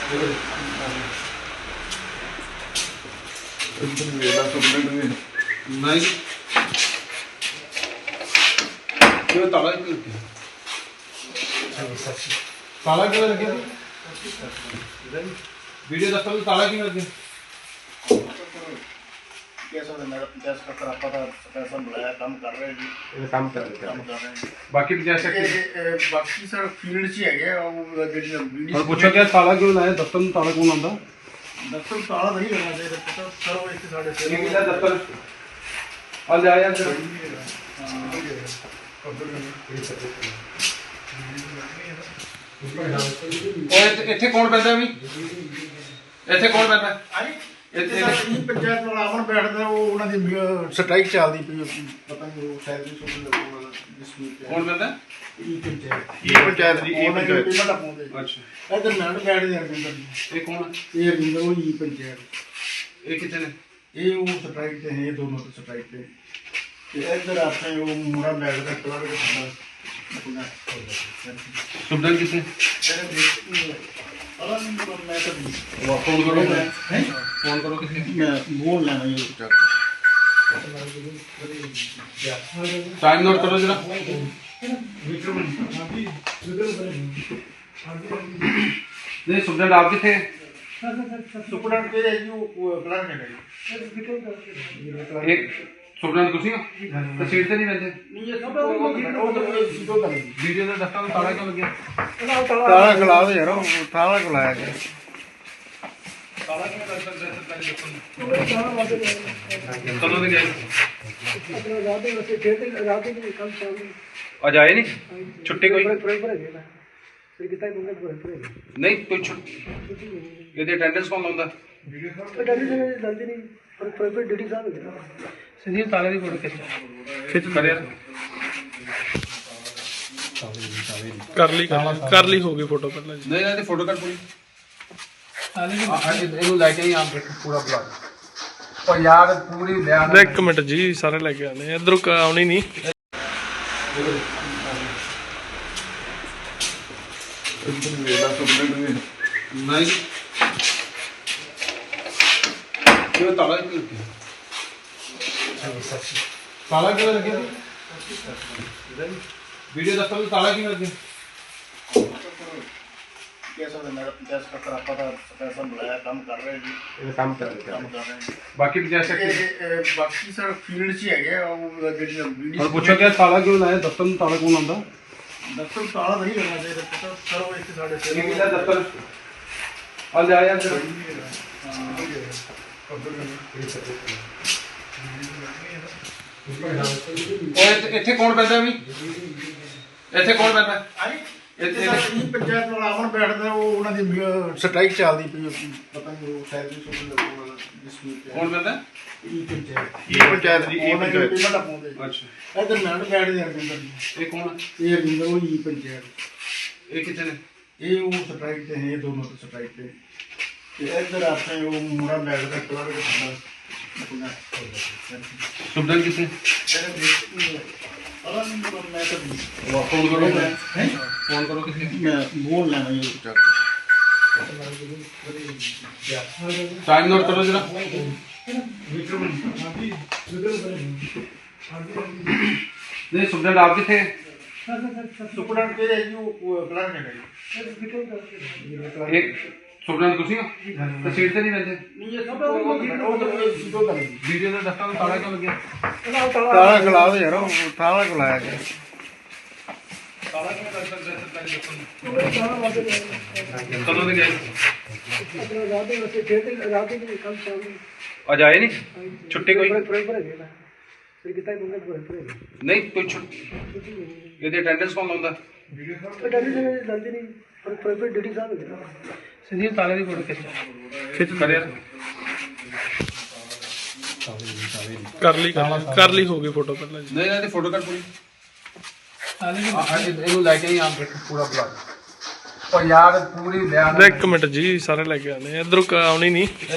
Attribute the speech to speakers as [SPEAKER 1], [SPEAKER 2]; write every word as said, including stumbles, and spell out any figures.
[SPEAKER 1] नहीं ताला ताला क्यों लगे वीडियो दफ्तर में ताला क्यों लगे बाकी
[SPEAKER 2] बाकी सर फील्ड च है
[SPEAKER 1] पूछो क्या ताला क्यों लाया दफ्तर में ताला कौन आंदा
[SPEAKER 2] दफ्तर ताला नहीं करना चाहिए पता सर वो इतने साढ़े
[SPEAKER 1] दफ्तर आ जा यार ਇੱਥੇ ਕੌਣ ਪੈਂਦਾ ਵੀ ਇੱਥੇ ਕੌਣ ਪੈਂਦਾ
[SPEAKER 2] ਇੱਥੇ ਪੰਚਾਇਤ ਵਾਲਾ ਅਮਨ ਬੈਠਦਾ ਉਹ ਉਹਨਾਂ ਦੀ ਸਟ੍ਰਾਈਕ ਚੱਲਦੀ ਪਈ ਪਤਾ ਨਹੀਂ ਉਹ ਸੈਲਰੀ ਸੁਣ ਲੱਗੂਗਾ ਡਿਸਪਿਊਟ
[SPEAKER 1] ਕੌਣ ਪੈਂਦਾ
[SPEAKER 2] ਇਹ ਪੰਚਾਇਤ
[SPEAKER 1] ਇਹ ਪੰਚਾਇਤ ਦੀ ਇਹ ਪੰਚਾਇਤ
[SPEAKER 2] ਪੇਮੈਂਟ ਪਾਉਂਦੇ
[SPEAKER 1] ਅੱਛਾ
[SPEAKER 2] ਇਧਰ ਮੈਂ ਬੈਠਦੇ ਰਵਿੰਦਰ
[SPEAKER 1] ਇਹ ਕੌਣ
[SPEAKER 2] ਇਹ ਰਵਿੰਦਰ ਉਹ ਹੀ ਪੰਚਾਇਤ
[SPEAKER 1] ਇਹ ਕਿੱਥੇ ਨੇ
[SPEAKER 2] ਇਹ ਉਹ ਸਟ੍ਰਾਈਕ ਤੇ ਹੈ ਦੋਨੋਂ ਤੇ ਸਟ੍ਰਾਈਕ ਤੇ ਤੇ ਇਧਰ ਆਪਣੇ ਉਹ ਮੁੰਡਾ ਬੈਠਦਾ ਕਲਰ ਦੇ ਸਾਹਮਣੇ
[SPEAKER 1] ਸੁਬਦਨ ਕਿੱਥੇ फोन करो फोन करो किसी
[SPEAKER 2] मैं बोल लेना ये
[SPEAKER 1] टाइम नोट करो जरा नहीं सुबदन आप किथे
[SPEAKER 2] सुपरडेंट के जो क्लर्क है
[SPEAKER 1] एक सुबदन कुछ नहीं तो सीट से नहीं बैठे
[SPEAKER 2] नहीं ये सब वो दो कर
[SPEAKER 1] वीडियो में दफ्तर में ताला क्यों लग गया
[SPEAKER 2] ताला खिला दो यार ताला खिलाया गया
[SPEAKER 1] ताला क्यों लग गया कदों से गए
[SPEAKER 3] अपना रात में वैसे खेलते रात में कल शाम में
[SPEAKER 1] आज आए नहीं छुट्टी कोई
[SPEAKER 3] फिर कितना घूमने पूरा पूरा
[SPEAKER 1] नहीं कोई छुट्टी ये अटेंडेंस कौन लाਉਂਦਾ
[SPEAKER 3] अटेंडेंस में जल्दी नहीं पर प्राइवेट ड्यूटी साहब है संदीप ताले की फोटो खिंच
[SPEAKER 1] खिंच कर यार
[SPEAKER 4] कर ली कर ली होगी फोटो पहले
[SPEAKER 1] नहीं नहीं फोटो कर पूरी
[SPEAKER 3] ताले की
[SPEAKER 1] ਆ ਇਹਨੂੰ ਲੈ ਕੇ ਹੀ ਆਪ ਦੇਖ ਪੂਰਾ ਬਲੌਗ ਉਹ ਯਾਰ ਪੂਰੀ ਲਿਆ
[SPEAKER 4] एक मिनट जी सारे लेके आने इधरों आनी नहीं
[SPEAKER 1] नहीं क्यों ताला क्यों ताला क्यों लगे वीडियो दफ्तर में ताला क्यों लगे
[SPEAKER 2] कैसा है मेरा पंचायत का खराब पता पैसा बुलाया काम कर रहे हैं
[SPEAKER 1] ये काम कर रहे
[SPEAKER 2] काम कर रहे हैं
[SPEAKER 1] बाकी जैसे
[SPEAKER 2] ਇਹ ਬਾਕੀ ਸਰ ਫੀਲਡ 'ਚ ਹੈਗੇ ਆ ਉਹ ਜਿਹੜੀ ਵੀਡੀਓ
[SPEAKER 1] और पूछो क्या ताला क्यों लाया दफ्तर में ताला कौन आंदा
[SPEAKER 2] ਦਫ਼ਤਰ ਤਾਲਾ ਨਹੀਂ ਕਰਨਾ ਚਾਹੀਦਾ ਪਤਾ ਸਰ ਉਹ ਇੱਥੇ ਸਾਡੇ
[SPEAKER 1] ये किला दफ्तर आ जा यार ਉਹ ਇੱਥੇ ਕੌਣ ਪੈਂਦਾ ਵੀ ਇੱਥੇ ਕੌਣ ਪੈਂਦਾ
[SPEAKER 2] ਇੱਥੇ ਸਾਡੀ ਪੰਚਾਇਤ ਵਾਲਾ ਅਮਨ ਬੈਠਦਾ ਉਹ ਉਹਨਾਂ ਦੀ ਸਟ੍ਰਾਈਕ ਚੱਲਦੀ ਪਈ ਪਤਾ ਨਹੀਂ ਉਹ ਸੈਲਰੀ ਸੁਣ ਲੱਗੂਗਾ ਡਿਸਪਿਊਟ
[SPEAKER 1] ਕੌਣ ਪੈਂਦਾ
[SPEAKER 2] ਇਹ ਪੰਚਾਇਤ
[SPEAKER 1] ਇਹ ਪੰਚਾਇਤ ਦੀ ਇਹ ਪੰਚਾਇਤ
[SPEAKER 2] ਪੇਮੈਂਟ ਪਾਉਂਦੇ
[SPEAKER 1] ਅੱਛਾ
[SPEAKER 2] ਇਧਰ ਮੈਂ ਬੈਠਦੇ ਰਵਿੰਦਰ
[SPEAKER 1] ਇਹ ਕੌਣ
[SPEAKER 2] ਇਹ ਰਵਿੰਦਰ ਉਹ ਹੀ ਪੰਚਾਇਤ
[SPEAKER 1] ਇਹ ਕਿੱਥੇ ਨੇ
[SPEAKER 2] ਇਹ ਉਹ ਸਟ੍ਰਾਈਕ ਤੇ ਹੈ ਦੋਨੋਂ ਤੇ ਸਟ੍ਰਾਈਕ ਤੇ ਤੇ ਇਧਰ ਆਪਣੇ ਉਹ ਮੁੰਡਾ ਬੈਠਦਾ ਕਲਰ ਦੇ ਸਾਹਮਣੇ
[SPEAKER 1] ਸੁਬਦਨ ਕਿੱਥੇ फोन करो फोन करो किसी
[SPEAKER 2] मैं बोल लेना ये
[SPEAKER 1] टाइम नोट करो जरा नहीं सुबदन आप किथे
[SPEAKER 2] सुपरडेंट के जो क्लर्क है
[SPEAKER 1] एक सुबदन कुछ नहीं तो सीट से नहीं बैठे
[SPEAKER 2] नहीं ये सब वो दो कर
[SPEAKER 1] वीडियो में दफ्तर में ताला क्यों लग गया
[SPEAKER 2] ताला खिला दो यार ताला खिलाया गया
[SPEAKER 1] ताला क्यों लग गया कदों से गए
[SPEAKER 3] अपना रात में वैसे खेलते रात में कल शाम में
[SPEAKER 1] आज आए नहीं छुट्टी कोई
[SPEAKER 3] फिर कितना घूमने पूरा पूरा
[SPEAKER 1] नहीं कोई छुट्टी ये अटेंडेंस कौन लाਉਂਦਾ
[SPEAKER 3] अटेंडेंस में जल्दी नहीं पर प्राइवेट ड्यूटी साहब है संदीप ताले की फोटो खिंच
[SPEAKER 1] खिंच कर यार
[SPEAKER 4] कर ली कर ली होगी फोटो पहले
[SPEAKER 1] नहीं नहीं फोटो कर पूरी
[SPEAKER 3] ताले की
[SPEAKER 1] ਆ ਇਹਨੂੰ ਲੈ ਕੇ ਹੀ ਆਪ ਦੇਖ ਪੂਰਾ ਬਲੌਗ ਉਹ ਯਾਰ ਪੂਰੀ ਲਿਆ
[SPEAKER 4] एक मिनट जी सारे लेके आने इधरों आनी नहीं